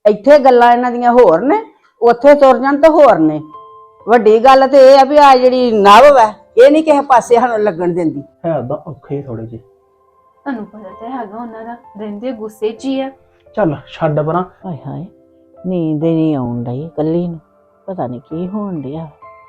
ਇੱਥੇ ਗੱਲਾਂ ਇਹਨਾਂ ਦੀਆਂ ਹੋਰ ਨੇ, ਉੱਥੇ ਤੁਰ ਜਾਣ ਤਾਂ ਹੋਰ ਨੇ। ਵੱਡੀ ਗੱਲ ਤੇ ਇਹ ਆ ਵੀ ਆ ਜਿਹੜੀ ਨਵ ਹੈ ਇਹ ਨਹੀਂ ਕਿਸੇ ਪਾਸੇ ਸਾਨੂੰ ਲੱਗਣ ਦਿੰਦੀ। ਹੈ ਤਾਂ ਔਖੇ ਥੋੜੇ ਜਿਹੇ। ਤੁਹਾਨੂੰ ਪਤਾ ਤਾਂ ਹੈਗਾ ਉਹਨਾਂ ਦਾ ਰਹਿੰਦੇ ਗੁੱਸੇ 'ਚ ਹੀ ਆ। ਚੱਲ ਛੱਡ ਪਰਾਂ। ਹਾਏ ਹਾਏ ਨੀਂਦ ਹੀ ਨਹੀਂ ਆਉਣ ਡਈ ਕੱਲੀ ਨੂੰ, ਪਤਾ ਨਹੀਂ ਕੀ ਹੋਣ ਡਿਆ।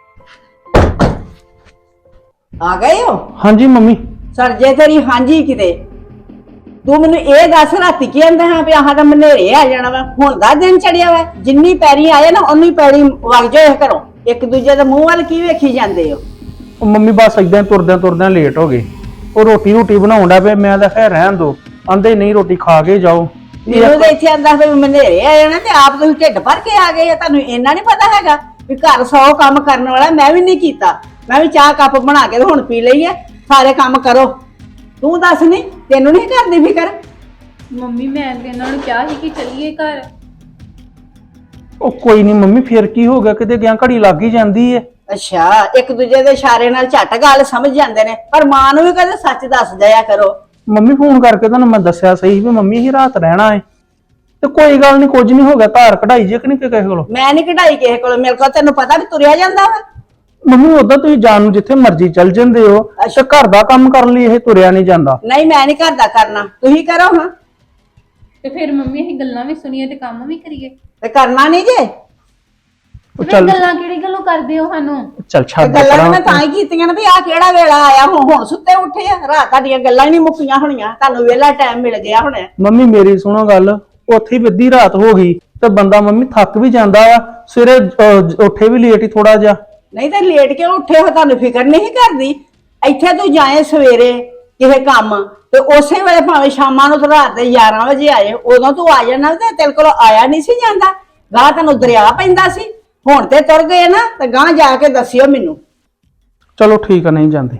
ਆ ਗਏ ਹੋ? ਹਾਂਜੀ ਮੰਮੀ। ਸਰਜੇ ਤੇਰੀ ਹਾਂਜੀ ਕਿਤੇ। ਤੂੰ ਮੈਨੂੰ ਇਹ ਦੱਸ ਰਾਤੀ ਕੀ ਕਹਿੰਦਾ ਹਾਂ ਵੀ ਆਹ ਤਾਂ ਮਨੇਰੇ ਆ ਜਾਣਾ ਵਾ, ਹੁਣ ਦਾ ਦਿਨ ਚੜਿਆ ਵਾ, ਜਿੰਨੀ ਪੈਰੀ ਆਏ ਨਾ ਉਨੀ ਪੈਰੀ ਵਗ ਜਾਓ ਘਰੋਂ। ਇੱਕ ਦੂਜੇ ਦੇ ਮੂੰਹ ਵੱਲ ਕੀ ਵੇਖੀ ਜਾਂਦੇ ਹੋ? ਉਹ ਮੰਮੀ ਬਸ ਏਦਾਂ ਤੁਰਦਿਆਂ ਤੁਰਦਿਆਂ ਲੇਟ ਹੋ ਗਏ। ਉਹ ਰੋਟੀ ਬਣਾਉਣ ਦਾ ਪਿਆ, ਮੈਂ ਤਾਂ ਖੈਰ ਰਹਿਣ ਦੋ, ਆਂਦੇ ਨਹੀਂ ਰੋਟੀ ਖਾ ਕੇ ਜਾਓ। ਮੈਨੂੰ ਤਾਂ ਇੱਥੇ ਆਂਦਾ ਵੀ ਮਨੇਰੇ ਆ ਜਾਣਾ ਤੇ ਆਪ ਤੁਸੀਂ ਢਿੱਡ ਭਰ ਕੇ ਆ ਗਏ ਆ। ਤੁਹਾਨੂੰ ਇੰਨਾ ਨਹੀਂ ਪਤਾ ਹੈਗਾ ਵੀ ਘਰ 100 ਕੰਮ ਕਰਨ ਵਾਲਾ। ਮੈਂ ਵੀ ਨਹੀਂ ਕੀਤਾ, ਮੈਂ ਵੀ ਚਾਹ ਕੱਪ ਬਣਾ ਕੇ ਤੇ ਹੁਣ ਪੀ ਲਈ ਹੈ। ਸਾਰੇ ਕੰਮ ਕਰੋ। ਤੂੰ ਦੱਸ ਨਹੀਂ, ਤੈਨੂੰ ਨਹੀਂ ਕਰਦੀ ਫਿਕਰ? ਮੰਮੀ ਮੈਂ ਤੇ ਇਹਨਾਂ ਨੂੰ ਕਿਹਾ ਸੀ ਕਿ ਚੱਲੀਏ ਘਰ। ਉਹ ਕੋਈ ਨਹੀਂ ਮੰਮੀ, ਫਿਰ ਕੀ ਹੋ ਗਿਆ, ਕਿਤੇ ਗਿਆ ਘੜੀ ਲੱਗ ਹੀ ਜਾਂਦੀ ਏ। ਅੱਛਾ, ਇੱਕ ਦੂਜੇ ਦੇ ਇਸ਼ਾਰੇ ਨਾਲ ਝੱਟ ਗੱਲ ਸਮਝ ਜਾਂਦੇ ਨੇ, ਪਰ ਮਾਂ ਨੂੰ ਵੀ ਕਦੇ ਸੱਚ ਦੱਸ ਜਾਇਆ ਕਰੋ। ਮੰਮੀ ਫੋਨ ਕਰਕੇ ਤੁਹਾਨੂੰ ਮੈਂ ਦੱਸਿਆ ਸਹੀ ਵੀ ਮੰਮੀ ਹੀ ਰਾਤ ਰਹਿਣਾ ਏ ਤੇ ਕੋਈ ਗੱਲ ਨਹੀਂ, ਕੁਝ ਨਹੀਂ ਹੋ ਗਿਆ। ਧਾਰ ਕਢਾਈ ਜੇ ਕਿ ਨਹੀਂ ਕਿਸੇ ਕੋਲੋਂ? ਮੈਂ ਨਹੀਂ ਕਢਾਈ ਕਿਸੇ ਕੋਲ, ਮੇਰੇ ਕੋਲ ਤੈਨੂੰ ਪਤਾ ਵੀ ਤੁਰਿਆ ਜਾਂਦਾ ਵਾ। ਮੰਮੀ ਉਦਾਂ ਤੁਸੀਂ ਜਾਣ ਨੂੰ ਜਿੱਥੇ ਮਰਜ਼ੀ ਚੱਲ ਜਾਂਦੇ ਹੋ, ਤੇ ਘਰ ਦਾ ਕੰਮ ਕਰਨ ਲਈ ਇਹ ਤੁਰਿਆ ਨਹੀਂ ਜਾਂਦਾ। ਨਹੀਂ ਮੈਂ ਨਹੀਂ ਘਰ ਦਾ ਕਰਨਾ, ਤੁਸੀਂ ਕਰੋ ਹਾਂ। ਤੇ ਫਿਰ ਮੰਮੀ ਅਸੀਂ ਗੱਲਾਂ ਵੀ ਸੁਣੀਏ ਤੇ ਕੰਮ ਵੀ ਕਰੀਏ। ਤੇ ਕਰਨਾ ਨਹੀਂ ਜੇ। ਉਹ ਫਿਰ ਚੱਲ ਗੱਲਾਂ ਕਿਹੜੀ ਗੱਲੋਂ ਕਰਦੇ ਹੋ ਸਾਨੂੰ? ਚੱਲ ਤੇ ਛੱਡ ਗੱਲਾਂ ਤਾਂ ਮੈਂ ਪਰਾਂ। ਤਾਂ ਹੀ ਕੀਤੀਆਂ ਨੇ ਵੀ ਆਹ ਕਿਹੜਾ ਵੇਲਾ ਆਇਆ, ਹੁਣ ਸੁੱਤੇ ਉੱਠੇ ਆ। ਰਾਤ ਤੁਹਾਡੀਆਂ ਗੱਲਾਂ ਹੀ ਨਹੀਂ ਮੁੱਕੀਆਂ ਹੋਣੀਆਂ, ਤੁਹਾਨੂੰ ਵੇਲਾ ਟਾਈਮ ਮਿਲ ਗਿਆ ਹੁਣ। ਮੰਮੀ ਮੇਰੀ ਸੁਣੋ ਗੱਲ, ਉੱਥੇ ਹੀ ਅੱਧੀ ਰਾਤ ਹੋ ਗਈ ਤੇ ਬੰਦਾ ਮੰਮੀ ਥੱਕ ਵੀ ਜਾਂਦਾ ਆ, ਸਵੇਰੇ ਉੱਠੇ ਵੀ ਲੇਟ ਹੀ ਥੋੜਾ ਜਿਹਾ। ਨਹੀਂ ਤਾਂ ਲੇਟ ਕਿਉਂ ਉੱਠੇ ਹੋ? ਤੁਹਾਨੂੰ ਫਿਕਰ ਨਹੀਂ ਕਰਦੀ? ਇੱਥੇ ਤੂੰ ਜਾਏ ਸਵੇਰੇ ਕਿਸੇ ਕੰਮ ਤੇ ਉਸੇ ਵੇਲੇ ਭਾਵੇਂ ਸ਼ਾਮਾਂ ਨੂੰ ਤੇ ਰਾਤ ਦੇ 11 ਵਜੇ ਆਏ, ਉਦੋਂ ਤੂੰ ਆ ਜਾਣਾ ਤੇ ਤੇਰੇ ਕੋਲ ਆਇਆ ਨਹੀਂ ਸੀ ਜਾਂਦਾ। ਗਾਂ ਤੈਨੂੰ ਦਰਿਆ ਪੈਂਦਾ ਸੀ, ਹੁਣ ਤੇ ਤੁਰ ਗਏ ਨਾ ਤੇ ਗਾਂ ਜਾ ਕੇ ਦੱਸਿਓ ਮੈਨੂੰ। ਚਲੋ ਠੀਕ ਆ, ਨਹੀਂ ਜਾਂਦੇ।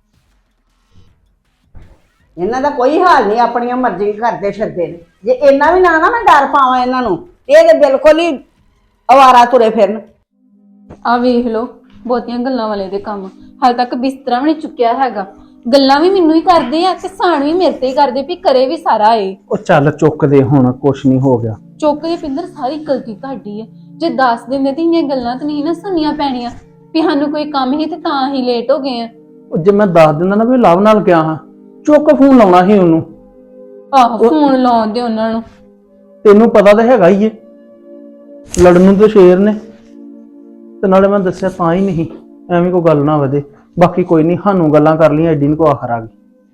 ਇਹਨਾਂ ਦਾ ਕੋਈ ਹਾਲ ਨਹੀਂ, ਆਪਣੀਆਂ ਮਰਜ਼ੀ ਕਰਦੇ ਫਿਰਦੇ ਨੇ। ਜੇ ਇੰਨਾ ਵੀ ਨਾ ਮੈਂ ਡਰ ਪਾਵਾਂ ਇਹਨਾਂ ਨੂੰ, ਇਹ ਤੇ ਬਿਲਕੁਲ ਹੀ ਅਵਾਰਾ ਤੁਰੇ ਫਿਰਨ। ਆ ਵੇਖ ਲਓ, ਬਹੁਤੀਆਂ ਗੱਲਾਂ ਵਾਲੇ ਦੇ ਕੰਮ। ਹਾਲੇ ਤੱਕ ਬਿਸਤਰਾ ਵੀ ਨਹੀਂ ਚੁੱਕਿਆ ਹੈਗਾ। ਗੱਲਾਂ ਵੀ ਮੈਨੂੰ ਹੀ ਕਰਦੇ ਆ ਤੇ ਸਾਣ ਵੀ ਮੇਰੇ ਤੇ ਹੀ ਕਰਦੇ ਵੀ ਕਰੇ ਵੀ ਸਾਰਾ ਏ। ਉਹ ਚੱਲ ਚੁੱਕਦੇ, ਹੁਣ ਕੁਛ ਨਹੀਂ ਹੋ ਗਿਆ। ਚੁੱਕ ਦੇ ਪਿੰਦਰ, ਸਾਰੀ ਗਲਤੀ ਤੁਹਾਡੀ ਹੈ। ਜੇ ਦੱਸ ਦਿੰਦੇ ਤੇ ਇੰਨੀਆਂ ਗੱਲਾਂ ਤਾਂ ਨਹੀਂ ਨਾ ਸੁਣਨੀਆਂ ਪੈਣੀਆਂ ਵੀ ਸਾਨੂੰ ਕੋਈ ਕੰਮ ਹੀ ਤੇ ਤਾਂ ਹੀ ਲੇਟ ਹੋ ਗਏ ਆ। ਉਹ ਜੇ ਮੈਂ ਦੱਸ ਦਿੰਦਾ ਨਾ ਵੀ ਲਵ ਨਾਲ ਗਿਆ ਹਾਂ, ਚੁੱਕ ਫੋਨ ਲਾਉਣਾ ਸੀ ਉਹਨੂੰ। ਆਹੋ, ਫੋਨ ਲਾਉਣ ਦੇ ਉਹਨਾਂ ਨੂੰ। ਤੈਨੂੰ ਪਤਾ ਤਾਂ ਹੈਗਾ ਹੀ ਏ, ਲੜਨ ਨੂੰ ਤੇ ਸ਼ੇਰ ਨੇ। ਤੇ ਨਾਲੇ ਮੈਂ ਦੱਸਿਆ ਤਾਂ ਹੀ ਨਹੀਂ, ਐਵੇਂ ਕੋਈ ਗੱਲ ਨਾ ਵਧੇ। ਬਾਕੀ ਕੋਈ ਨਹੀਂ, ਸਾਨੂੰ ਗੱਲਾਂ ਕਰ ਲਈਆਂ, ਐਡੀ ਨੂੰ ਕੋ ਆਖਰ ਆ ਗਈ।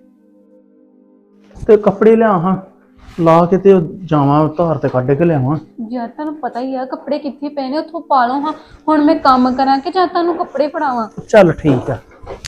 ਤੇ ਕੱਪੜੇ ਲਿਆ ਹਾਂ ਲਾ ਕੇ ਤੇ ਜਾਵਾਂ ਧਾਰ ਤੇ ਕੱਢ ਕੇ ਲਿਆਵਾਂ। ਯਾਰ ਤੁਹਾਨੂੰ ਪਤਾ ਹੀ ਆ ਕੱਪੜੇ ਕਿੱਥੇ ਪਏ ਨੇ, ਉੱਥੋਂ ਪਾ ਲਓ ਹਾਂ। ਹੁਣ ਮੈਂ ਕੰਮ ਕਰਾਂ ਕਿ ਜਾਂ ਤੁਹਾਨੂੰ ਕੱਪੜੇ ਫੜਾਵਾਂ? ਚੱਲ ਠੀਕ ਆ।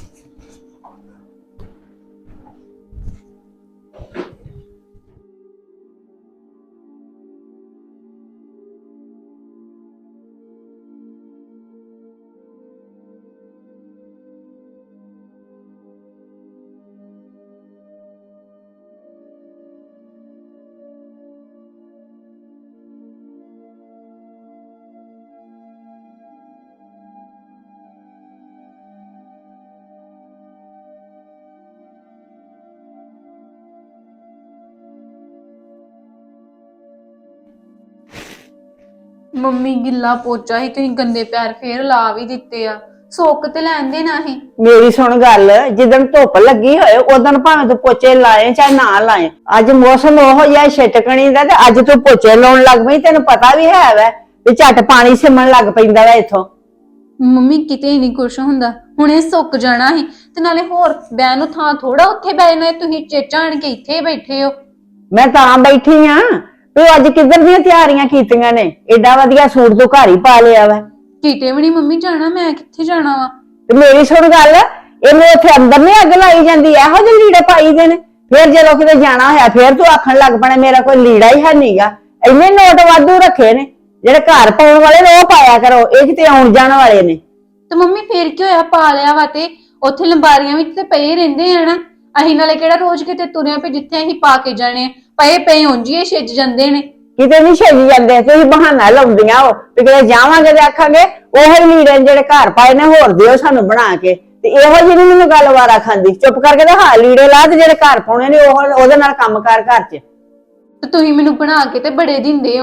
ਮੰਮੀ ਗਿੱਲਾ ਪੋਚਾ ਹੀ ਤੁਸੀਂ ਗੰਦੇ ਪੈਰ ਫੇਰ ਲਾ ਵੀ ਦਿੱਤੇ ਆ। ਸੁੱਕ ਤੇ ਲੈਂਦੇ ਨਾ ਹੀ। ਮੇਰੀ ਸੁਣ ਗੱਲ, ਜਿੱਦਣ ਧੁੱਪ ਲੱਗੀ ਹੋਏ ਉਦੋਂ ਭਾਵੇਂ ਤੂੰ ਪੋਚੇ ਲਾਏ ਚਾਹੇ ਨਾ ਲਾਏ। ਅੱਜ ਮੌਸਮ ਉਹੋ ਜਿਹਾ ਛਿਟਕਣੀ ਦਾ ਤੇ ਅੱਜ ਤੂੰ ਪੋਚੇ ਲਾਉਣ ਲੱਗ ਪਈ। ਤੈਨੂੰ ਪਤਾ ਵੀ ਹੈ ਵੈ ਵੀ ਝੱਟ ਪਾਣੀ ਸਿਮਣ ਲੱਗ ਪੈਂਦਾ ਵਾ ਇੱਥੋਂ। ਮੰਮੀ ਕਿਤੇ ਨਹੀਂ ਕੁਛ ਹੁੰਦਾ, ਹੁਣੇ ਸੁੱਕ ਜਾਣਾ ਸੀ। ਤੇ ਨਾਲੇ ਹੋਰ ਬੈਨ ਨੂੰ ਥਾਂ ਥੋੜਾ ਉੱਥੇ ਬੈਠਣਾ, ਤੁਸੀਂ ਚੇਚਾ ਆਣ ਕੇ ਇੱਥੇ ਬੈਠੇ ਹੋ। ਮੈਂ ਤਾਂ ਬੈਠੀ ਆ। ਤੂੰ ਅੱਜ ਕਿੱਧਰ ਦੀਆਂ ਤਿਆਰੀਆਂ ਕੀਤੀਆਂ ਨੇ? ਏਡਾ ਵਧੀਆ ਸੂਟ ਤੂੰ ਘਰ ਹੀ ਪਾ ਲਿਆ ਵਾ। ਕਿਤੇ ਵੀ ਨਹੀਂ ਮੰਮੀ ਜਾਣਾ, ਮੈਂ ਕਿੱਥੇ ਜਾਣਾ ਵਾ? ਤੇ ਮੇਰੀ ਸੁਣ ਗੱਲ, ਇਹਨੂੰ ਉੱਥੇ ਅੰਦਰ ਨੀ ਅੱਗ ਲਾਈ ਜਾਂਦੀ? ਇਹੋ ਜਿਹੇ ਲੀੜੇ ਪਾਈ ਦੇ ਨੇ। ਫਿਰ ਜਦੋਂ ਕਿਤੇ ਜਾਣਾ ਹੋਇਆ ਫਿਰ ਤੂੰ ਆਖਣ ਲੱਗ ਪਣਾ ਮੇਰਾ ਕੋਈ ਲੀੜਾ ਹੀ ਹੈ ਨਹੀਂਗਾ। ਇੰਨੇ ਨੋਟ ਵਾਧੂ ਰੱਖੇ ਨੇ, ਜਿਹੜੇ ਘਰ ਪਾਉਣ ਵਾਲੇ ਨੇ ਉਹ ਪਾਇਆ ਕਰੋ, ਇਹ ਕਿਤੇ ਆਉਣ ਜਾਣ ਵਾਲੇ ਨੇ। ਤੇ ਮੰਮੀ ਫੇਰ ਕੀ ਹੋਇਆ, ਪਾ ਲਿਆ ਵਾ ਤੇ ਉੱਥੇ ਲੰਬਾਰੀਆਂ ਵਿੱਚ ਤੇ ਪਏ ਰਹਿੰਦੇ ਆ ਨਾ। ਅਸੀਂ ਨਾਲੇ ਕਿਹੜਾ ਰੋਜ਼ ਕਿਤੇ ਤੁਰਿਆ ਪਏ ਜਿੱਥੇ ਅਸੀਂ ਪਾ ਕੇ ਜਾਣੇ, ਪਏ ਪਏ ਉਂਝੀ ਛਿੱਜ ਜਾਂਦੇ ਨੇ। ਕਿਤੇ ਨਹੀਂ ਛੱਜ ਜਾਂਦੇ, ਤੁਸੀਂ ਬਹਾਨਾ ਲਾਉਂਦੀਆਂ ਹੋ ਵੀ ਕਿਤੇ ਜਾਵਾਂਗੇ ਤੇ ਆਖਾਂਗੇ ਉਹੀ ਲੀੜੇ ਜਿਹੜੇ ਘਰ ਪਾਏ ਨੇ ਹੋਰ ਦਿਓ ਸਾਨੂੰ ਬਣਾ ਕੇ। ਤੇ ਇਹੋ ਜਿਹੀ ਨੀ ਮੈਨੂੰ ਗੱਲ ਵਾਰਾ ਖਾਂਦੀ। ਚੁੱਪ ਕਰਕੇ ਤੇ ਹਾਂ ਲੀੜੇ ਲਾ ਤੇ ਜਿਹੜੇ ਘਰ ਪਾਉਣੇ ਨੇ ਉਹਦੇ ਨਾਲ ਕੰਮ ਕਰ ਘਰ 'ਚ। ਤੇ ਤੁਸੀਂ ਮੈਨੂੰ ਬਣਾ ਕੇ ਤੇ ਬੜੇ ਦਿੰਦੇ ਹੋ ਨਾ,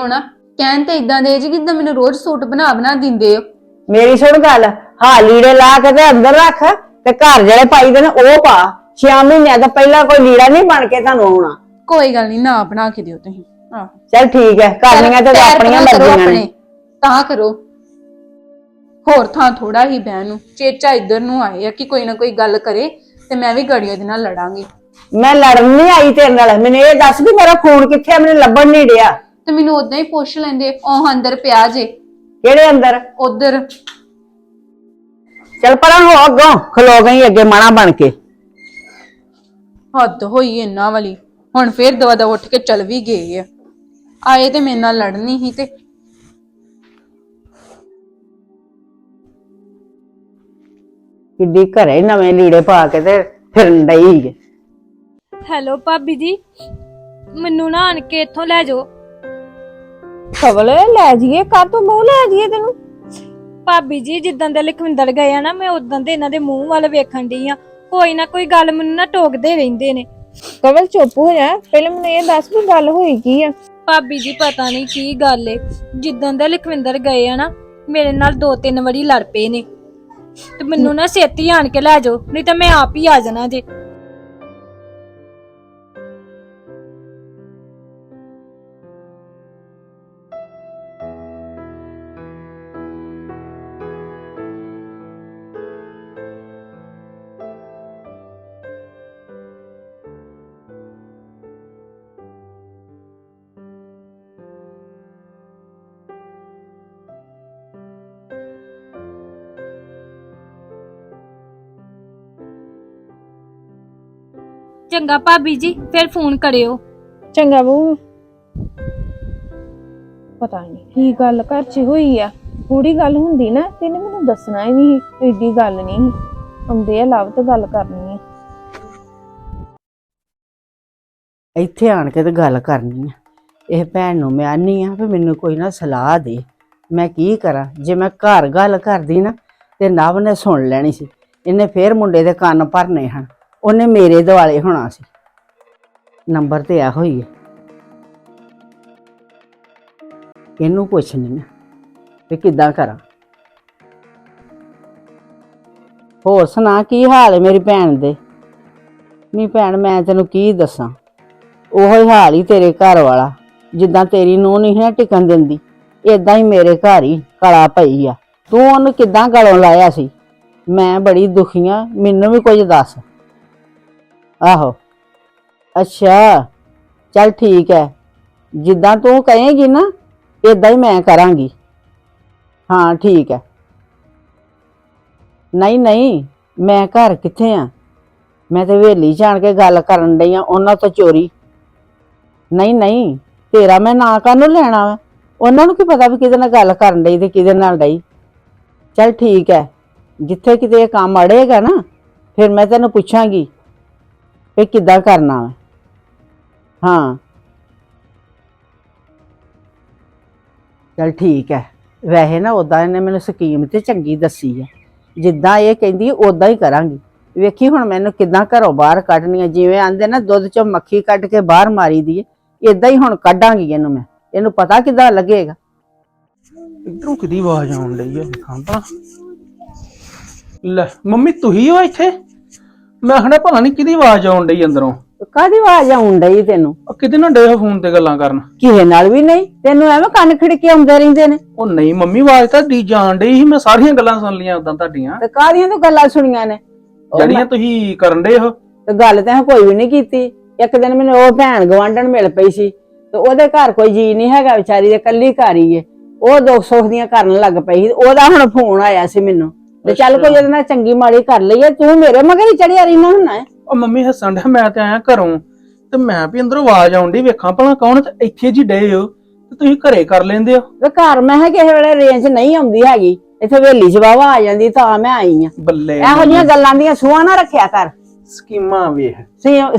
ਕਹਿਣ ਤੇ ਇਦਾਂ ਦੇ ਜੀ ਜਿੱਦਾਂ ਮੈਨੂੰ ਰੋਜ਼ ਸੂਟ ਬਣਾ ਬਣਾ ਦਿੰਦੇ ਹੋ। ਮੇਰੀ ਸੁਣ ਗੱਲ, ਹਾਂ ਲੀੜੇ ਲਾ ਕੇ ਤੇ ਅੰਦਰ ਰੱਖ ਤੇ ਘਰ ਜਿਹੜੇ ਪਾਈ ਦੇ ਨੇ ਉਹ ਪਾ। 6 ਮਹੀਨਿਆਂ ਦਾ ਪਹਿਲਾਂ ਕੋਈ ਲੀੜਾ ਨਹੀਂ ਬਣ ਕੇ ਤੁਹਾਨੂੰ ਆਉਣਾ। ਕੋਈ ਗੱਲ ਨਹੀਂ, ਨਾ ਬਣਾ ਕੇ ਦਿਓ ਤੁਸੀਂ। ਆਹ ਚੱਲ ਠੀਕ ਹੈ, ਕਰਨੀਆਂ ਤੇ ਪੈਰ ਆਪਣੀਆਂ ਪਰਾਂ ਕਰੋ ਮਰਜ਼ੀਆਂ ਆਪਣੇ, ਨੇ। ਤਾਂ ਕਰੋ। ਹੋਰ ਥਾਂ ਥੋੜਾ ਹੀ ਬਹਿਣ ਨੂੰ, ਚੇਚਾ ਇੱਧਰ ਨੂੰ ਆਏ ਆ ਕਿ ਕੋਈ ਨਾ ਕੋਈ ਗੱਲ ਕਰੇ ਤੇ ਮੈਂ ਵੀ ਗੜੀਆਂ ਦੇ ਨਾਲ ਲੜਾਂਗੀ। ਮੈਂ ਲੜਨ ਨਹੀਂ ਆਈ ਤੇਰੇ ਨਾਲ, ਮੈਨੂੰ ਇਹ ਦੱਸ ਵੀ ਮੇਰਾ ਫੋਨ ਕਿੱਥੇ ਆ, ਮੈਨੂੰ ਲੱਭਣ ਨਹੀਂ ਡਿਆ। ਤੇ ਮੈਨੂੰ ਉਦਾਂ ਹੀ ਪੁੱਛ ਲੈਂਦੇ, ਉਹ ਅੰਦਰ ਪਿਆ ਜੇ। ਕਿਹੜੇ ਅੰਦਰ? ਉਧਰ। ਚੱਲ ਪਰਾਂ ਹੋ, ਅੱਗੋਂ ਖਲੋ ਗਈ ਅੱਗੇ ਮਾਣਾ ਬਣ ਕੇ। ਹੱਦ ਹੋਈ ਇਹਨਾਂ ਵਾਲੀ, ਹੁਣ ਫੇਰ ਦਵਾ ਉੱਠ ਕੇ ਚਲ ਵੀ ਗਏ ਆ। ਆਏ ਤੇ ਮੇਰੇ ਨਾਲ ਲੜਨੀ ਹੀ ਤੇ ਕਿੱਡੀ ਘਰੇ ਨਵੇਂ ਲੀੜੇ ਪਾ ਕੇ ਤੇ ਫਿਰਨ ਡਈ ਏ। ਹੈਲੋ ਭਾਬੀ ਜੀ, ਮੈਨੂੰ ਨਾ ਆਣ ਕੇ ਇੱਥੋਂ ਲੈ ਜਾਓ। ਖਵਲ ਲੈ ਜੀਏ, ਕਰ ਤੂੰ ਮੂੰਹ ਲੈ ਜੀਏ ਤੈਨੂੰ। ਭਾਬੀ ਜੀ ਜਿੱਦਾਂ ਦੇ ਲਖਵਿੰਦਰ ਗਏ ਆ ਨਾ, ਮੈਂ ਉਦਾਂ ਦੇ ਇਹਨਾਂ ਦੇ ਮੂੰਹ ਵੱਲ ਵੇਖਣ ਡਈ ਆ। ਕੋਈ ਨਾ ਕੋਈ ਗੱਲ ਮੈਨੂੰ ਨਾ ਟੋਕਦੇ ਰਹਿੰਦੇ ਨੇ। ਕਵਲ ਚੁੱਪ ਹੋ ਜਾ, ਪਹਿਲਾਂ ਮੈਨੂੰ ਇਹ ਦੱਸ ਵੀ ਗੱਲ ਹੋਈ ਕੀ ਆ। ਭਾਬੀ ਜੀ ਪਤਾ ਨਹੀਂ ਕੀ ਗੱਲ ਏ, ਜਿੱਦਾਂ ਦੇ ਲਖਵਿੰਦਰ ਗਏ ਆ ਨਾ, ਮੇਰੇ ਨਾਲ 2-3 ਵਾਰੀ ਲੜ ਪਏ ਨੇ। ਤੇ ਮੈਨੂੰ ਨਾ ਛੇਤੀ ਆਣ ਕੇ ਲੈ ਜਾਓ, ਨਹੀਂ ਤਾਂ ਮੈਂ ਆਪ ਹੀ ਆ ਜਾਣਾ ਜੇ। ਚੰਗਾ ਭਾਬੀ ਜੀ, ਫਿਰ ਫੋਨ ਕਰਿਓ। ਚੰਗਾ ਬਹੂ। ਪਤਾ ਨਹੀਂ ਕੀ ਗੱਲ ਘਰ 'ਚ ਹੋਈ ਆ। ਥੋੜੀ ਗੱਲ ਹੁੰਦੀ ਨਾ ਤੈਨੂੰ ਮੈਨੂੰ ਦੱਸਣਾ ਹੀ ਨਹੀਂ, ਏਡੀ ਗੱਲ ਨਹੀਂ ਆਉਂਦੇ ਆ ਲਵ ਤੇ ਗੱਲ ਕਰਨੀ ਆ। ਇੱਥੇ ਆਣ ਕੇ ਤੇ ਗੱਲ ਕਰਨੀ ਆ। ਇਹ ਭੈਣ ਨੂੰ ਮੈਂ ਆਨੀ ਆ ਵੀ ਮੈਨੂੰ ਕੋਈ ਨਾ ਸਲਾਹ ਦੇ, ਮੈਂ ਕੀ ਕਰਾਂ। ਜੇ ਮੈਂ ਘਰ ਗੱਲ ਕਰਦੀ ਨਾ ਤੇ ਨਵ ਨੇ ਸੁਣ ਲੈਣੀ ਸੀ, ਇਹਨੇ ਫੇਰ ਮੁੰਡੇ ਦੇ ਕੰਨ ਭਰਨੇ ਹਨ, ਉਹਨੇ ਮੇਰੇ ਦੁਆਲੇ ਹੋਣਾ ਸੀ। ਨੰਬਰ ਤੇ ਇਹੋ ਹੀ ਹੈ, ਇਹਨੂੰ ਪੁੱਛਣੀ ਆ ਵੀ ਕਿੱਦਾਂ ਕਰਾਂ। ਹੋਰ ਸੁਣਾ, ਕੀ ਹਾਲ ਹੈ ਮੇਰੀ ਭੈਣ ਦੇ? ਨੀ ਭੈਣ, ਮੈਂ ਤੈਨੂੰ ਕੀ ਦੱਸਾਂ, ਉਹੋ ਹੀ ਹਾਲ ਹੀ ਤੇਰੇ ਘਰ ਵਾਲਾ। ਜਿੱਦਾਂ ਤੇਰੀ ਨੂੰਹ ਨਹੀਂ ਨਾ ਟਿਕਣ ਦਿੰਦੀ, ਏਦਾਂ ਹੀ ਮੇਰੇ ਘਰ ਹੀ ਕਲਾ ਪਈ ਆ। ਤੂੰ ਉਹਨੂੰ ਕਿੱਦਾਂ ਗਲੋਂ ਲਾਇਆ ਸੀ? ਮੈਂ ਬੜੀ ਦੁਖੀ ਆ, ਮੈਨੂੰ ਵੀ ਕੁਝ ਦੱਸ। ਆਹੋ, ਅੱਛਾ, ਚੱਲ ਠੀਕ ਹੈ, ਜਿੱਦਾਂ ਤੂੰ ਕਹੇਂਗੀ ਨਾ ਏਦਾਂ ਹੀ ਮੈਂ ਕਰਾਂਗੀ। ਹਾਂ ਠੀਕ ਹੈ। ਨਹੀਂ ਨਹੀਂ, ਮੈਂ ਘਰ ਕਿੱਥੇ ਆ, ਮੈਂ ਤੇ ਹਵੇਲੀ 'ਚ ਆਣ ਕੇ ਗੱਲ ਕਰਨ ਡਈ ਆ ਉਹਨਾਂ ਤੋਂ ਚੋਰੀ। ਨਹੀਂ ਨਹੀਂ, ਤੇਰਾ ਮੈਂ ਨਾਂ ਕਾਹਨੂੰ ਲੈਣਾ ਵਾ, ਉਹਨਾਂ ਨੂੰ ਕੀ ਪਤਾ ਵੀ ਕਿਹਦੇ ਨਾਲ ਗੱਲ ਕਰਨ ਡਈ ਤੇ ਕਿਹਦੇ ਨਾਲ ਡਈ। ਚੱਲ ਠੀਕ ਹੈ, ਜਿੱਥੇ ਕਿਤੇ ਇਹ ਕੰਮ ਅੜੇਗਾ ਨਾ ਫਿਰ ਮੈਂ ਤੈਨੂੰ ਪੁੱਛਾਂਗੀ ਵੀ ਕਿੱਦਾਂ ਕਰਨਾ ਵਾ। ਹਾਂ ਚੱਲ ਠੀਕ ਹੈ। ਵੈਸੇ ਨਾ ਉਦਾਂ ਇਹਨੇ ਮੈਨੂੰ ਸਕੀਮ ਤੇ ਚੰਗੀ ਦੱਸੀ ਹੈ, ਜਿੱਦਾਂ ਇਹ ਕਹਿੰਦੀ ਉਦਾਂ ਹੀ ਕਰਾਂਗੀ। ਵੇਖੀ ਹੁਣ ਮੈਨੂੰ ਕਿੱਦਾਂ ਘਰੋਂ ਬਾਹਰ ਕੱਢਣੀ ਹੈ, ਜਿਵੇਂ ਆਂਦੇ ਨਾ ਦੁੱਧ ਚੋਂ ਮੱਖੀ ਕੱਢ ਕੇ ਬਾਹਰ ਮਾਰੀ ਦੀ ਹੈ, ਏਦਾਂ ਹੀ ਹੁਣ ਕੱਢਾਂਗੀ ਇਹਨੂੰ ਮੈਂ। ਇਹਨੂੰ ਪਤਾ ਕਿੱਦਾਂ ਲੱਗੇਗਾ। ਇਧਰੋਂ ਕਿਹਦੀ ਆਵਾਜ਼ ਆਉਣ ਡਈ ਆ? ਵੇਖਾਂ ਤਾਂ। ਲੈ ਮੰਮੀ ਤੁਸੀਂ ਹੋ ਇੱਥੇ? ਮੈਂ ਹਣੇ ਪਤਾ ਨਹੀਂ ਕਿਹਦੀ ਆਵਾਜ਼ ਆਉਣ ਡਈ ਅੰਦਰੋਂ। ਕਾਹਦੀ ਆਵਾਜ਼ ਆਉਣ ਡਈ ਤੈਨੂੰ? ਕਿਤੇ ਨਾ ਡੇ ਫੋਨ ਤੇ ਗੱਲਾਂ ਕਰਨ। ਕਿਸੇ ਨਾਲ ਵੀ ਨਹੀਂ, ਤੈਨੂੰ ਐਵੇਂ ਕੰਨ ਖਿੜਕੇ ਆਉਂਦੇ ਰਹਿੰਦੇ ਨੇ। ਉਹ ਨਹੀਂ ਮੰਮੀ, ਆਵਾਜ਼ ਤਾਂ ਡੀ ਜਾਣ ਡਈ ਸੀ, ਮੈਂ ਸਾਰੀਆਂ ਗੱਲਾਂ ਸੁਣ ਲਈਆਂ ਉਦਾਂ ਤੁਹਾਡੀਆਂ ਤੇ ਕਾਹਦੀਆਂ ਤੂੰ ਗੱਲਾਂ ਸੁਣੀਆਂ ਨੇ ਜਿਹੜੀਆਂ ਤੁਸੀਂ ਕਰਨ ਡੇ ਹੋ। ਤੇ ਗੱਲ ਤਾਂ ਕੋਈ ਵੀ ਨਹੀਂ ਕੀਤੀ। ਇੱਕ ਦਿਨ ਮੈਨੂੰ ਉਹ ਭੈਣ ਗਵਾਂਢਣ ਮਿਲ ਪਈ ਸੀ ਤੇ ਉਹਦੇ ਘਰ ਕੋਈ ਜੀ ਨਹੀਂ ਹੈਗਾ, ਵਿਚਾਰੀ ਦੇ ਕੱਲੀ ਘਰ ਹੀ ਏ। ਉਹ ਦੁੱਖ ਸੁੱਖ ਦੀਆਂ ਕਰਨ ਲੱਗ ਪਈ, ਉਹਦਾ ਹੁਣ ਫੋਨ ਆਇਆ ਸੀ ਮੈਨੂੰ ਤੇ ਚੱਲ ਕੋਈ ਉਹਦੇ ਨਾਲ ਚੰਗੀ ਮਾੜੀ ਕਰ ਲਈਏ। ਤੂੰ ਮੇਰੇ ਮਗਰ ਹੀ ਚੜਿਆ ਰਹਿਣਾ ਹੁੰਨਾ ਹੈ। ਉਹ ਮੰਮੀ ਹੱਸਣ ਡਿਆ, ਮੈਂ ਤੇ ਆਇਆ ਘਰੋਂ ਤੇ ਮੈਂ ਵੀ ਅੰਦਰੋਂ ਆਵਾਜ਼ ਆਉਣ ਡਈ, ਵੇਖਾਂ ਭਲਾ ਕੌਣ, ਤੇ ਇੱਥੇ ਜੀ ਡੇ ਹੋ ਤੇ ਤੁਸੀਂ ਘਰੇ ਕਰ ਲੈਂਦੇ ਹੋ। ਵੇ ਘਰ ਮੈਂ ਕਿਸੇ ਵੇਲੇ ਰੇਂਜ ਨਹੀਂ ਆਉਂਦੀ ਹੈਗੀ, ਇੱਥੇ ਹਵੇਲੀ 'ਚ ਵਾਵਾ ਆ ਜਾਂਦੀ ਤਾਂ ਮੈਂ ਆਈ ਆ। ਬੱਲੇ, ਇਹੋ ਜਿਹੀਆਂ ਗੱਲਾਂ ਦੀਆਂ ਸੂਹਾਂ ਨਾ ਰੱਖਿਆ ਕਰ। ਸਕੀਮਾਂ ਵੇਖ।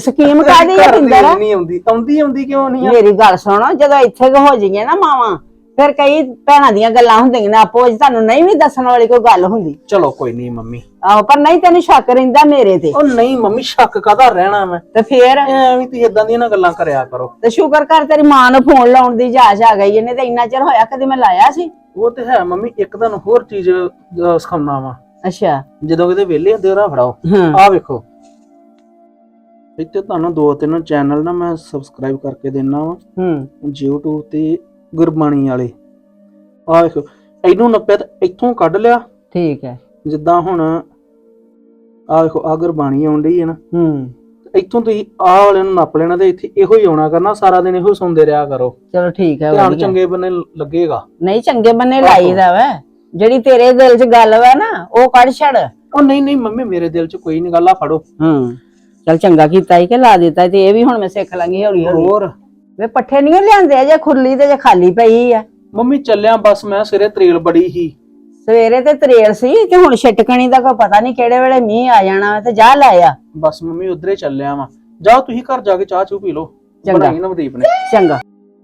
ਸਕੀਮ ਕਾਹਦੀ ਹੈ ਪਿੰਦਰ? ਨਹੀਂ ਆਉਂਦੀ ਕਿਉਂ ਨਹੀਂ ਆ? ਮੇਰੀ ਗੱਲ ਸੁਣੋ, ਜਦੋਂ ਇੱਥੇ ਹੋ ਜਾਈਏ ਨਾ ਮਾਵਾਂ ਫਿਰ ਕਈ ਭੈਣਾਂ ਦੀਆਂ ਗੱਲਾਂ ਹੁੰਦੀਆਂ ਨੇ ਆਪੋ ਵਿੱਚ, ਤੁਹਾਨੂੰ ਨਹੀਂ ਵੀ ਦੱਸਣ ਵਾਲੀ ਕੋਈ ਗੱਲ ਹੁੰਦੀ। ਚਲੋ ਕੋਈ ਨਹੀਂ ਮੰਮੀ। ਆਹੋ, ਪਰ ਨਹੀਂ ਤੈਨੂੰ ਸ਼ੱਕ ਰਹਿੰਦਾ ਮੇਰੇ ਤੇ। ਉਹ ਨਹੀਂ ਮੰਮੀ, ਸ਼ੱਕ ਕਾਹਦਾ ਰਹਿਣਾ ਮੈਂ, ਤੇ ਫੇਰ ਐਵੇਂ ਤੁਸੀਂ ਇਦਾਂ ਦੀਆਂ ਨਾ ਗੱਲਾਂ ਕਰਿਆ ਕਰੋ। ਤੇ ਸ਼ੁਕਰ ਕਰ ਤੇਰੀ ਮਾਂ ਨੂੰ ਫੋਨ ਲਾਉਣ ਦੀ ਜਾਚ ਆ ਗਈ, ਇਹਨੇ ਤੇ ਇੰਨਾ ਚਿਰ ਹੋਇਆ ਕਦੇ ਮੈਂ ਲਾਇਆ ਸੀ। ਉਹ ਤੇ ਹੈ ਮੰਮੀ। ਇੱਕ ਤੁਹਾਨੂੰ ਹੋਰ ਚੀਜ਼ ਸਿਖਾਉਣਾ ਵਾ। ਅੱਛਾ। ਜਦੋਂ ਕਿਤੇ ਵਿਹਲੇ ਹੁੰਦੇ ਹੋ ਫੜਾਓ, ਹਾਂ। ਆਹ ਵੇਖੋ ਇੱਥੇ ਤੁਹਾਨੂੰ 2-3 ਚੈਨਲ ਨਾ ਮੈਂ ਸਬਸਕ੍ਰਾਈਬ ਕਰਕੇ ਦੇਣਾ ਵਾ YouTube ਤੇ ਗੁਰਬਾਣੀ ਵਾਲੇ। ਆਹ ਵੇਖੋ, ਇਹਨੂੰ ਨੱਪਿਆ ਤੇ ਇੱਥੋਂ ਕੱਢ ਲਿਆ। ਠੀਕ ਹੈ। ਜਿੱਦਾਂ ਹੁਣ ਆਹ ਵੇਖੋ, ਆਹ ਗੁਰਬਾਣੀ ਆਉਣ ਡਈ ਹੈ ਨਾ, ਇੱਥੋਂ ਤੁਸੀਂ ਆਹ ਵਾਲੇ ਨੂੰ ਨੱਪ ਲੈਣਾ ਤੇ ਇੱਥੇ ਇਹੋ ਹੀ ਆਉਣਾ ਕਰਨਾ, ਸਾਰਾ ਦਿਨ ਇਹੋ ਸੁਣਦੇ ਰਿਹਾ ਕਰੋ। ਚਲੋ ਠੀਕ ਹੈ, ਧਿਆਨ ਵਧੀਆ। ਚੰਗੇ ਬੰਨੇ ਲੱਗੇਗਾ। ਨਹੀਂ, ਚੰਗੇ ਬੰਨੇ ਲਾਈਦਾ ਵਾ, ਜਿਹੜੀ ਤੇਰੇ ਦਿਲ 'ਚ ਗੱਲ ਵਾ ਨਾ ਉਹ ਕੱਢ ਛੱਡ। ਉਹ ਨਹੀਂ ਮੰਮੀ, ਮੇਰੇ ਦਿਲ 'ਚ ਕੋਈ ਨਹੀਂ ਗੱਲ ਆ, ਫੜੋ। ਚਲ ਚੰਗਾ ਕੀਤਾ ਹੀ ਕਿ ਲਾ ਦਿੱਤਾ, ਤੇ ਇਹ ਵੀ ਹੁਣ ਮੈਂ ਸਿੱਖ ਲਾਂਗੀ ਹੌਲੀ ਹੌਲੀ। ਹੋਰ ਵੇ ਪੱਠੇ ਨਹੀਂ ਲਿਆਂਦੇ ਅਜੇ, ਖੁਰਲੀ ਤੇ ਜੇ ਖਾਲੀ ਪਈ ਆ। ਮੰਮੀ ਚੱਲਿਆ ਬਸ, ਮੈਂ ਸਿਰੇ ਤਰੇਲ ਬੜੀ ਹੀ। ਸਵੇਰੇ ਤੇ ਤਰੇਲ ਸੀ, ਤੇ ਹੁਣ ਛਟਕਣੀ ਦਾ ਕੋਈ ਪਤਾ ਨਹੀਂ ਕਿਹੜੇ ਵੇਲੇ ਮੀਂਹ ਆ ਜਾਣਾ, ਤੇ ਜਾ ਲਾਇਆ। ਬਸ ਮੰਮੀ ਉਧਰੇ ਚੱਲਿਆ ਵਾਂ। ਜਾਓ ਤੁਸੀਂ ਘਰ ਜਾ ਕੇ ਚਾਹ ਚੂ ਪੀ ਲਓ, ਚੰਗਾ। ਬਣਾਈ ਨਵਦੀਪ ਨੇ। ਚੰਗਾ।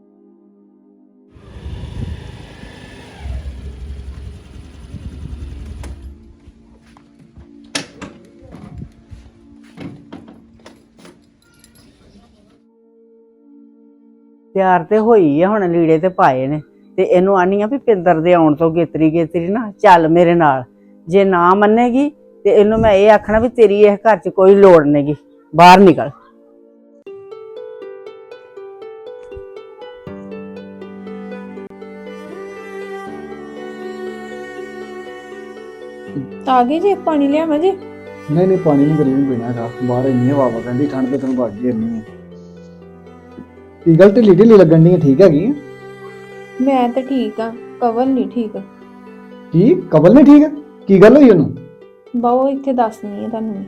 ਤਿਆਰ ਤੇ ਹੋਈ ਆ, ਹੁਣ ਲੀੜੇ ਤੇ ਪਾਏ ਨੇ, ਤੇ ਇਹਨੂੰ ਆਨੀ ਆ ਵੀ ਪਿੰਦਰ ਦੇ ਆਉਣ ਤੋਂ ਗੇਤਰੀ ਨਾ ਚੱਲ ਮੇਰੇ ਨਾਲ। ਜੇ ਨਾ ਮੰਨੇਗੀ ਤੇ ਇਹਨੂੰ ਮੈਂ ਇਹ ਆਖਣਾ ਵੀ ਤੇਰੀ ਇਹ ਘਰ 'ਚ ਕੋਈ ਲੋੜ ਨਹੀਂਗੀ, ਬਾਹਰ ਨਿਕਲ। ਆ ਗਏ ਜੀ, ਪਾਣੀ ਲਿਆਵਾਂ ਜੀ? ਨਹੀਂ ਪਾਣੀ ਨਹੀਂ ਗਰਮੀ ਪੀਣਾ ਹੈਗਾ, ਬਾਹਰ ਇੰਨੀ ਹਵਾ ਵਗਣ ਦੀ, ਠੰਡ ਤੇ ਤੈਨੂੰ ਵੱਜ ਹੀ ਇੰਨੀ ਹੈ। ਕੀ ਗੱਲ ਢਿੱਲੀ ਢਿੱਲੀ ਲੱਗਣ ਦੀ? ਠੀਕ ਹੈਗੀ ਆ? ਮੈਂ ਤਾਂ ਠੀਕ ਆ, ਕਵਲ ਨਹੀਂ ਠੀਕ। ਕੀ ਕਬਲ ਨਹੀਂ ਠੀਕ? ਕੀ ਗੱਲ ਹੋਈ ਉਹਨੂੰ? ਬਾਓ ਇੱਥੇ ਦੱਸਣੀ ਹੈ ਤੁਹਾਨੂੰ।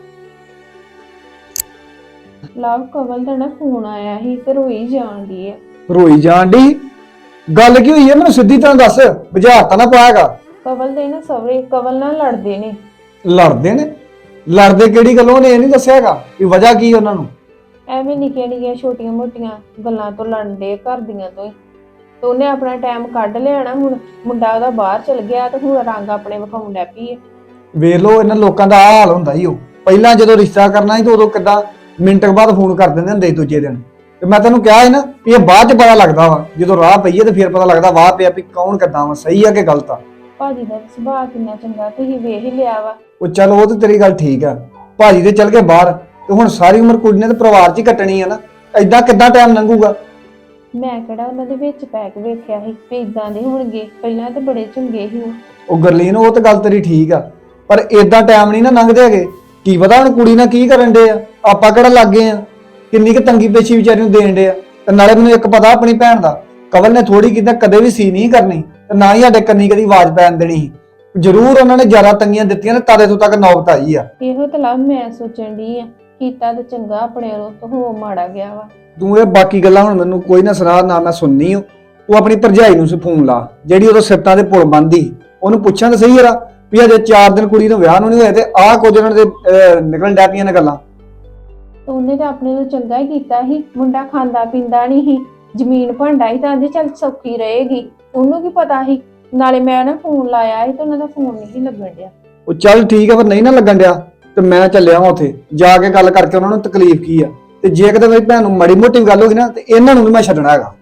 ਲਵ, ਕਵਲ ਦਾ ਨਾ ਫੋਨ ਆਇਆ ਸੀ ਤੇ ਰੋਈ ਜਾਣ ਦੀ ਹੈ। ਰੋਈ ਜਾਣ ਦੀ? ਗੱਲ ਕੀ ਹੋਈ ਹੈ ਮੈਨੂੰ ਸਿੱਧੀ ਤਰ੍ਹਾਂ ਦੱਸ, ਬੁਝਾਰਤਾ ਨਾ ਪਾਏਗਾ। ਕਵਲ ਦੇ ਨਾ ਸਵਰੇ ਕਵਲ ਨਾਲ ਲੜਦੇ ਨੇ। ਲੜਦੇ ਨੇ? ਲੜਦੇ ਕਿਹੜੀ ਗੱਲੋਂ? ਨੇ ਇਹ ਨਹੀਂ ਦੱਸਿਆ ਹੈਗਾ ਵੀ ਵਜ੍ਹਾ ਕੀ ਉਹਨਾਂ ਨੂੰ? ਐਵੇਂ ਨਿੱਕੀਆਂ ਨਿੱਕੀਆਂ ਛੋਟੀਆਂ ਮੋਟੀਆਂ ਗੱਲਾਂ ਤੋਂ ਲੜਦੇ, ਘਰ ਦੀਆਂ ਤੋਂ ਹੀ। ਤੇ ਉਹਨੇ ਆਪਣਾ ਟਾਈਮ ਕੱਢ ਲਿਆਣਾ, ਹੁਣ ਮੁੰਡਾ ਉਹਦਾ ਬਾਹਰ ਚਲ ਗਿਆ ਤੇ ਹੁਣ ਰੰਗ ਆਪਣੇ ਵਿਖਾਉਣ ਲੱਗ ਪਈ ਹੈ। ਵੇਖ ਲਓ ਇਹਨਾਂ ਲੋਕਾਂ ਦਾ ਆਹ ਹਾਲ ਹੁੰਦਾ ਹੀ। ਉਹ ਪਹਿਲਾਂ ਜਦੋਂ ਰਿਸ਼ਤਾ ਕਰਨਾ ਸੀ ਤੇ ਉਦੋਂ ਕਿੱਦਾਂ ਮਿੰਟ ਬਾਅਦ ਫੋਨ ਕਰ ਦਿੰਦੇ ਹੁੰਦੇ ਸੀ ਦੂਜੇ ਦਿਨ। ਤੇ ਮੈਂ ਤੈਨੂੰ ਕਿਹਾ ਸੀ ਨਾ ਵੀ ਇਹ ਬਾਅਦ ਚ ਪਤਾ ਲੱਗਦਾ ਵਾ, ਜਦੋਂ ਰਾਹ ਪਈਏ ਤੇ ਫਿਰ ਪਤਾ ਲੱਗਦਾ ਵਾਹ ਪਿਆ ਵੀ ਕੌਣ ਕਿੱਦਾਂ ਵਾ, ਸਹੀ ਆ ਕਿ ਗਲਤ ਆ। ਭਾਜੀ ਦਾ ਸੁਭਾਅ ਕਿੰਨਾ ਚੰਗਾ, ਤੁਸੀਂ ਵੇਖ ਹੀ ਲਿਆ ਵਾ। ਉਹ ਚੱਲ ਉਹ ਤੇ ਤੇਰੀ ਗੱਲ ਠੀਕ ਆ, ਭਾਜੀ ਤੇ ਚੱਲ ਗਏ ਬਾਹਰ ਤੇ ਹੁਣ ਸਾਰੀ ਉਮਰ ਕੁੜੀ ਨੇ ਤੇ ਪਰਿਵਾਰ 'ਚ ਹੀ ਕੱਟਣੀ ਆ ਨਾ, ਏਦਾਂ ਕਿੱਦਾਂ ਟਾਈਮ ਲੰਘੂਗਾ? ਮੈਂ ਕਿਹੜਾ ਉਹਨਾਂ ਦੇ ਵਿੱਚ ਪੈ ਕੇ ਵੇਖਿਆ ਸੀ ਵੀ ਇਦਾਂ ਦੇ ਹੋਣਗੇ, ਪਹਿਲਾਂ ਤੇ ਬੜੇ ਚੰਗੇ ਸੀ ਉਹ। ਉਹ ਗਰਲੀਨ, ਉਹ ਤੇ ਗੱਲ ਤੇਰੀ ਠੀਕ ਆ, ਪਰ ਏਦਾਂ ਟਾਈਮ ਨਹੀਂ ਨਾ ਲੰਘਦੇ ਹੈਗੇ। ਕੀ ਪਤਾ ਹੁਣ ਕੁੜੀ ਨਾਲ ਕੀ ਕਰਨ ਡੇ ਆ, ਆਪਾਂ ਕਿਹੜਾ ਲੱਗੇ ਆ, ਕਿੰਨੀ ਕੁ ਤੰਗੀ ਪੇਸ਼ੀ ਵਿਚਾਰੀ ਨੂੰ ਦੇਣ ਡੇ ਆ। ਤੇ ਨਾਲੇ ਮੈਨੂੰ ਇੱਕ ਪਤਾ ਆਪਣੀ ਭੈਣ ਦਾ, ਕਵਲ ਨੇ ਥੋੜੀ ਕਿਤੇ ਕਦੇ ਵੀ ਸੀ ਨਹੀਂ ਕਰਨੀ ਤੇ ਨਾ ਹੀ ਸਾਡੇ ਕੰਨੀ ਕਦੀ ਆਵਾਜ਼ ਪੈਣ ਦੇਣੀ ਸੀ। ਜ਼ਰੂਰ ਉਹਨਾਂ ਨੇ ਜ਼ਿਆਦਾ ਤੰਗੀਆਂ ਦਿੱਤੀਆਂ ਨੇ, ਤਾਦੇ ਤੋਂ ਤੱਕ ਨੌਬਤ ਆਈ ਆ। ਇਹੋ ਤਾਂ ਲਵ ਮੈਂ ਸੋਚਣ ਦੀ ਆ, ਕੀਤਾ ਤੇ ਚੰਗਾ ਆਪਣੇ ਵੱਲੋਂ, ਤਾਂ ਹੋ ਮਾੜਾ ਗਿਆ ਵਾ। ਤੂੰ ਇਹ ਬਾਕੀ ਗੱਲਾਂ ਹੁਣ ਮੈਨੂੰ ਕੋਈ ਨਾ ਸੁਣਾ, ਨਾ ਮੈਂ ਸੁਣਨੀ। ਤੂੰ ਆਪਣੀ ਭਰਜਾਈ ਨੂੰ ਫੋਨ ਲਾ, ਜਿਹੜੀ ਉਦੋਂ ਸਿਫਤਾਂ ਦੇ ਪੁਲ ਬੰਦੀ, ਉਹਨੂੰ ਪੁੱਛਾਂ ਤਾਂ ਸਹੀ ਯਾਰਾ ਵੀ ਅਜੇ 4 ਦਿਨ ਕੁੜੀ ਨੂੰ ਵਿਆਹ ਨੂੰ ਨਹੀਂ ਹੋਏ ਤੇ ਆਹ ਕੁਝ ਉਹਨਾਂ ਦੇ ਨਿਕਲਣ ਡੈ ਪਈਆਂ ਨੇ ਗੱਲਾਂ। ਉਹਨੇ ਤਾਂ ਆਪਣੇ ਨੂੰ ਚੰਗਾ ਹੀ ਕੀਤਾ ਸੀ, ਮੁੰਡਾ ਖਾਂਦਾ ਪੀਂਦਾ ਨਹੀਂ ਸੀ, ਜ਼ਮੀਨ ਭਾਂਡਾ ਹੀ, ਤਾਂ ਆਂਦੇ ਚੱਲ ਸੌਖੀ ਰਹੇਗੀ। ਉਹਨੂੰ ਕੀ ਪਤਾ ਸੀ? ਨਾਲੇ ਮੈਂ ਨਾ ਫੋਨ ਲਾਇਆ ਸੀ ਤੇ ਉਹਨਾਂ ਦਾ ਫੋਨ ਨਹੀਂ ਸੀ ਲੱਗਣ ਡਿਆ। ਉਹ ਚੱਲ ਠੀਕ ਆ, ਪਰ ਨਹੀਂ ਨਾ ਲੱਗਣ ਡਿਆ ਤੇ ਮੈਂ ਚੱਲਿਆ ਵਾਂ ਉੱਥੇ ਜਾ ਕੇ ਗੱਲ ਕਰਕੇ ਉਹਨਾਂ ਨੂੰ ਤਕਲੀਫ ਕੀ ਆ, ਤੇ ਜੇ ਕਿਤੇ ਮੇਰੀ ਭੈਣ ਨੂੰ ਮਾੜੀ ਮੋਟੀ ਗੱਲ ਹੋ ਗਈ ਨਾ ਤੇ ਇਹਨਾਂ ਨੂੰ ਵੀ ਮੈਂ ਛੱਡਣਾ ਹੈਗਾ।